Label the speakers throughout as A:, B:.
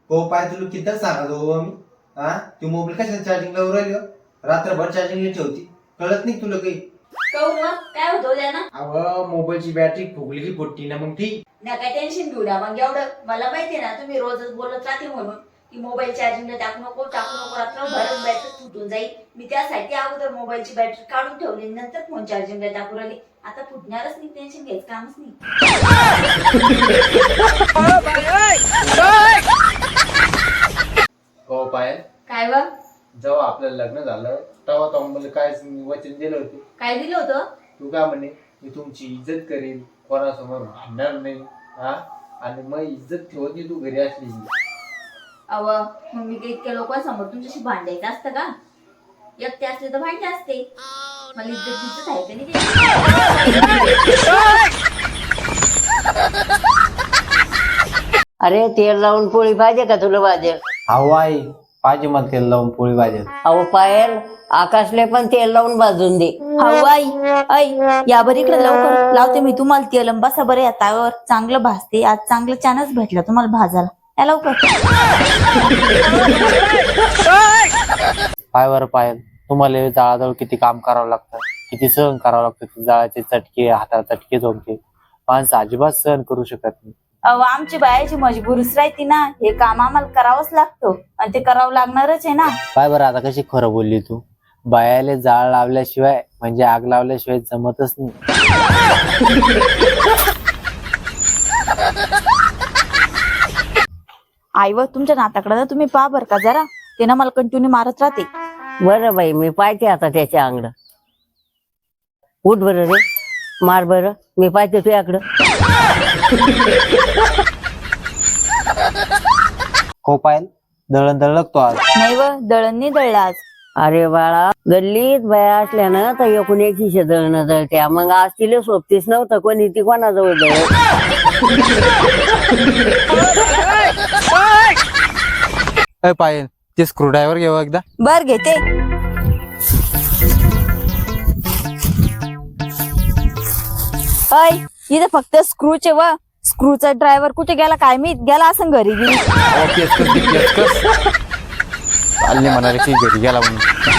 A: हो पाय तुला किती सांगतो हो मी. हा ती मोबाईल कशाला चार्जिंग लावून राहिली हो? रात्रभर चार्जिंगला ठेवती, कळत नाही तुला काही?
B: काय होतं त्यानं?
A: अव मोबाईलची बॅटरी फुगली की फुटती ना मग ती.
B: ना काय टेन्शन घेऊ द्या मग एवढं. मला माहितीये ना तुम्ही रोजच बोलत राहते म्हणून की मोबाईल चार्जिंगला टाकू नको रात्रभर बॅटरी फुटून जाईल. मी त्यासाठी अगोदर मोबाईलची बॅटरी काढून ठेवली, नंतर फोन चार्जिंगला टाकू राहिली. आता फुटणारच नाही, टेन्शन घ्यायचं कामच नाही.
A: हो पाय
B: काय बा?
A: जेव्हा आपलं लग्न झालं तेव्हा तो मला काय वचन दिलं होतं?
B: काय दिलं होतं?
A: तू काय म्हणे, मी तुमची इज्जत करेन, कोणासमोर भांडणार नाही. हा आणि मग इज्जत ठेवत तू घरी असली.
B: अव मग मी काही इतक्या लोकांसमोर तुमच्याशी भांडायचं असतं का? एकटे असले तर भांडे असते. मला इज्जत आहे का नाही?
C: अरे तेल लावून पोळी पाहिजे का तुला भाजी?
A: अहो आई पाहिजे मला तेल लावून पोळी भाजेल.
C: अहो पायल, आकाशले पण तेल लावून भाजून दे.
B: आई आई या बरं इकडे लवकर लावते मी तुम्हाला तेल. बसा बरं या ताव्यावर, चांगलं भाजते. आज चांगलं चानच भेटला तुम्हाला भाजायला. या लवकर.
D: पायवर पायल, तुम्हाला जाळाजवळ किती काम करावं लागतं, किती सहन करावं लागतं. जाळाचे चटके, हाताला चटके झोमके माणसं अजिबात सहन करू शकत नाही.
B: अहो आमची बायाची मजबुरीच राहते ना, हे काम आम्हाला करावंच लागतं आणि ते करावं लागणारच आहे ना.
D: पाय बरं आता कशी खरं बोलली तू. बायाले जाळ लावल्याशिवाय म्हणजे आग लावल्याशिवाय जमतच नाही.
B: आई व तुमच्या नाताकडे ना तुम्ही पहा बर का जरा, ते ना मला कंटिन्यू मारत राहते.
C: बरं बाई, मी पाहते आता त्याच्या अंगड. उठ बरं रे, मार बरं, मी पाहते तुझ्याकडं.
D: हो पायल, दळण दळलं तो आज.
B: नाही व दळण नाही दळलं आज.
C: अरे बाळा, गल्लीत बाया असल्यानं तर एकूण एक शिशे दळणं दळत्या. मग आज तिला सोबतीच नव्हतं कोणी, ती कोणाजवळ दळत.
D: पायल, ते स्क्रू ड्रायव्हर घेऊ एकदा.
B: बर घेते. अय इथे फक्त स्क्रूचे व स्क्रूचा ड्रायव्हर कुठे गेला काय मी गेला असं घरी गेली.
D: चालले म्हणाले की घरी गेला म्हणून.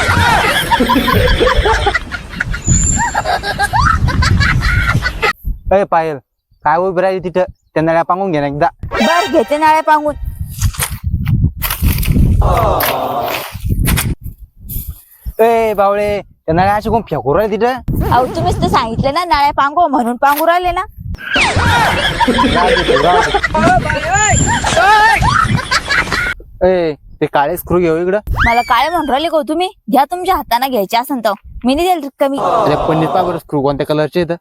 D: अय पायल, काय उभी राहिली तिथं, त्या नळ्या पांगून घे ना एकदा.
B: बर घेते नाळ्या पांगून.
D: ए बावळे, त्या नळ्या अशी कोण फेकू राहिले तिथं.
B: अहो तुम्हीच तर सांगितलं ना नाळ्या पांगो म्हणून पांगू राहिले ना.
D: ए ते काळे स्क्रू घेऊ इकडं.
B: मला काय म्हणून राहिले का हो तुम्ही? घ्या तुमच्या हाताने घ्यायचे असेल तर मी नाही द्याल कमी.
D: अरे पन्नीस पा बरं स्क्रू कोणत्या कलरचे इथं.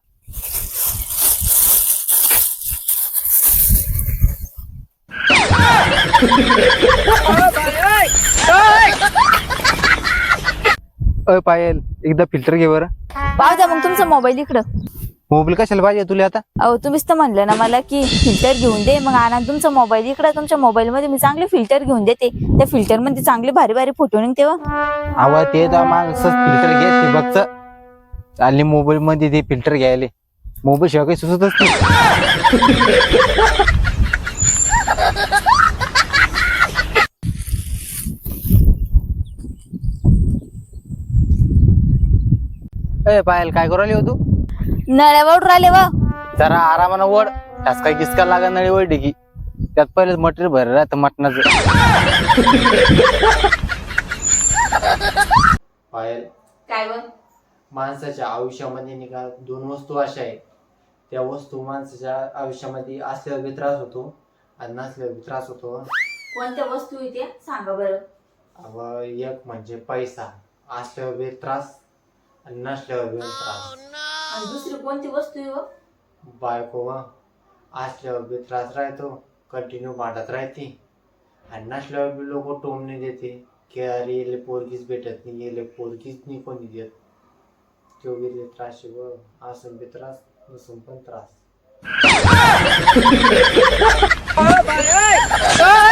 D: अय पायल, एकदा फिल्टर घे बरं.
B: पाहू द्या मग तुमचा मोबाईल इकडं.
D: मोबाईल कशाला पाहिजे तुला आता?
B: अहो तुम्हीच तर म्हणलं ना मला की फिल्टर घेऊन दे, मग आणा तुमचा मोबाईल इकडं. तुमच्या मोबाईल मध्ये मी चांगले फिल्टर घेऊन देते, त्या फिल्टर मध्ये चांगले भारी भारी फोटो निघते.
D: आवाज ते माग फिल्टर घे ते बघ. चालली मोबाईल मध्ये ते फिल्टर घ्यायले. मोबाईल शिवाय काही सुचतच नाही. ए पायल, काय करू राहिली हो तू?
B: नळ्यावर राहिले व.
D: जरा आरामानं वड, त्यास काही किसका लागा नळी वळली की. त्यात पहिलेच मटेरियल भरलं राहतं मटणाचं.
A: पायल,
B: काय व?
A: माणसाच्या आयुष्यामध्ये नाही का दोन वस्तू अशा आहेत, त्या वस्तू माणसाच्या आयुष्यामध्ये असल्यावर बी त्रास होतो आणि नसल्यावर बी त्रास होतो.
B: कोणत्या वस्तू येते सांगा बरं.
A: अव एक म्हणजे पैसा, असल्यावर बी त्रास आणि नसल्यावर बी त्रास.
B: आणि दुसरी कोणती वस्तू आहे व?
A: बायको असल्यावर बी त्रास राहतो, कंटिन्यू भांडत राहते आणि नसल्यावर बी लोक टोमणे देते की अरे येले पोरगीच भेटत नाही, येले पोरगीच नाही कोणी देत. तो बी त्रास व असून बी त्रास, नसून पण त्रास.